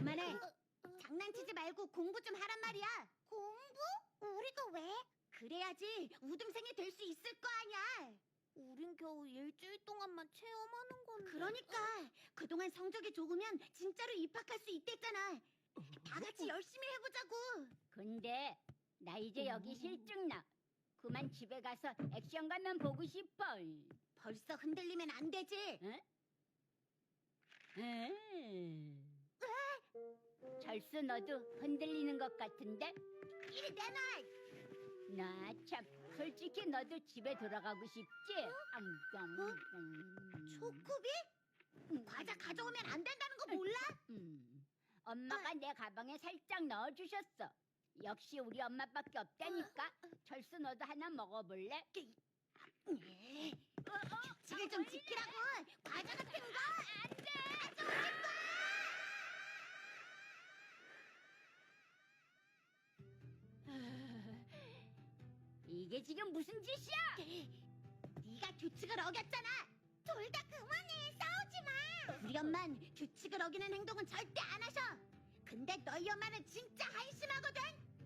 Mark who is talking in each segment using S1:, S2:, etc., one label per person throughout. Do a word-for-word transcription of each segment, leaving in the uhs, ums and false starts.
S1: 그만해. 장난치지 말고 공부 좀 하란 말이야.
S2: 공부? 우리가 왜?
S1: 그래야지 우등생이 될 수 있을 거 아니야.
S2: 우린 겨우 일주일 동안만 체험하는 건데.
S1: 그러니까 그동안 성적이 좋으면 진짜로 입학할 수 있댔잖아. 다 같이 열심히 해보자고.
S3: 근데 나 이제 여기 실증나. 그만 집에 가서 액션 가면 보고 싶어.
S1: 벌써 흔들리면 안 되지.
S3: 응? 응. 절수 너도 흔들리는 것 같은데?
S1: 이리 내놔.
S3: 나 참 솔직히 너도 집에 돌아가고 싶지? 앙깡.
S1: 초코비? 과자 가져오면 안 된다는 거 몰라?
S3: 음, 엄마가 내 가방에 살짝 넣어주셨어. 역시 우리 엄마밖에 없다니까. 절수 너도 하나 먹어볼래?
S1: 규칙을 좀 지키라고. 과자 같은 거.
S3: 안 돼! 이게 지금 무슨 짓이야?
S1: 네가 규칙을 어겼잖아.
S2: 둘 다 그만해. 싸우지 마.
S1: 우리 엄만 규칙을 어기는 행동은 절대 안 하셔. 근데 너희 엄마는 진짜 한심하거든.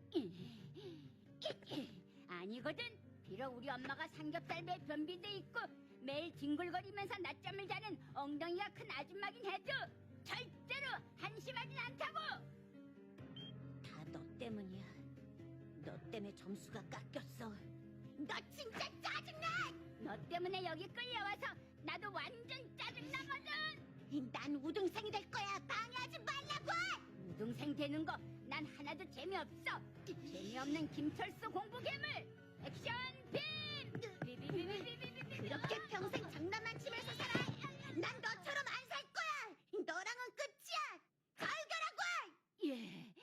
S3: 아니거든. 비록 우리 엄마가 삼겹살배 변비도 있고 매일 뒹굴거리면서 낮잠을 자는 엉덩이가 큰 아줌마긴 해도 절대로 한심하진 않다고.
S1: 다 너 때문이야. 너 때문에 점수가 깎였어. 너 진짜 짜증나.
S3: 너 때문에 여기 끌려와서 나도 완전 짜증나거든.
S1: 난 우등생이 될 거야. 방해하지 말라고.
S3: 우등생 되는 거 난 하나도 재미없어. 재미없는 김철수 공부 괴물. 액션 빔. 비비비비비비비.
S1: 그렇게 평생 장난만 치면서 살아. 난 너처럼